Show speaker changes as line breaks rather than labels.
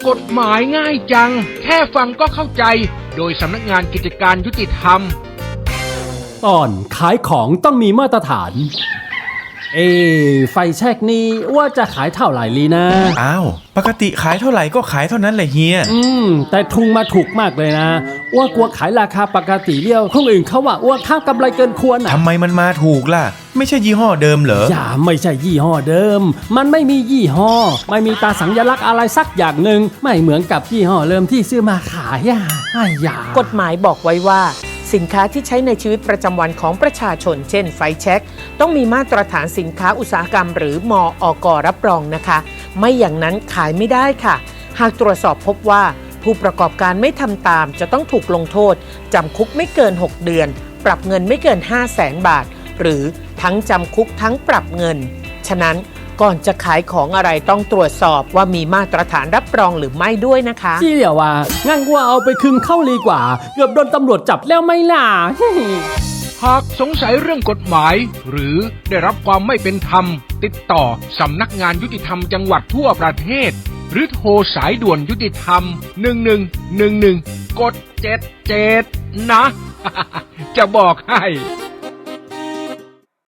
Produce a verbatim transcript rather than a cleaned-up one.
กฎหมายง่ายจังแค่ฟังก็เข้าใจโดยสำนักงานกิจการยุติธรรม
ตอนขายของต้องมีมาตรฐานเอไฟแช็กนี่ว่าจะขายเท่าไหร่ลีนะ
อ้าวปกติขายเท่าไหร่ก็ขายเท่านั้นแหละเฮีย
อืมแต่ทุงมาถูกมากเลยนะว่ากลัวขายราคาปกติเลี้ยวคนอื่นเขาว่าว่าค่ากำไรเกินควรอ่ะ
ทำไมมันมาถูกล่ะไม่ใช่ยี่ห้อเดิมเหรอ
อย่าไม่ใช่ยี่ห้อเดิมมันไม่มียี่ห้อไม่มีตาสัญลักษณ์อะไรสักอย่างหนึ่งไม่เหมือนกับยี่ห้อเริ่มที่ซื้อมาขายอ่ะไอ้ยาก
ฎหมายบอกไว้ว่าสินค้าที่ใช้ในชีวิตประจำวันของประชาชนเช่นไฟแช็กต้องมีมาตรฐานสินค้าอุตสาหกรรมหรือมออก รับรองนะคะไม่อย่างนั้นขายไม่ได้ค่ะหากตรวจสอบพบว่าผู้ประกอบการไม่ทำตามจะต้องถูกลงโทษจำคุกไม่เกินหกเดือนปรับเงินไม่เกิน ห้าแสน บาทหรือทั้งจำคุกทั้งปรับเงินฉะนั้นก่อนจะขายของอะไรต้องตรวจสอบว่ามีมาตรฐานรับรองหรือไม่ด้วยนะคะ
ที่เดียวว่างั้นว่าเอาไปคืนเข้าดีกว่าเกือบโดนตำรวจจับแล้วไม่ล่ะ
หากสงสัยเรื่องกฎหมายหรือได้รับความไม่เป็นธรรมติดต่อสำนักงานยุติธรรมจังหวัดทั่วประเทศหรือโทรสายด่วนยุติธรรมหนึ่งหนึ่งหนึ่งหนึ่งกดเจ็ดเจ็ดนะ จะบอกให้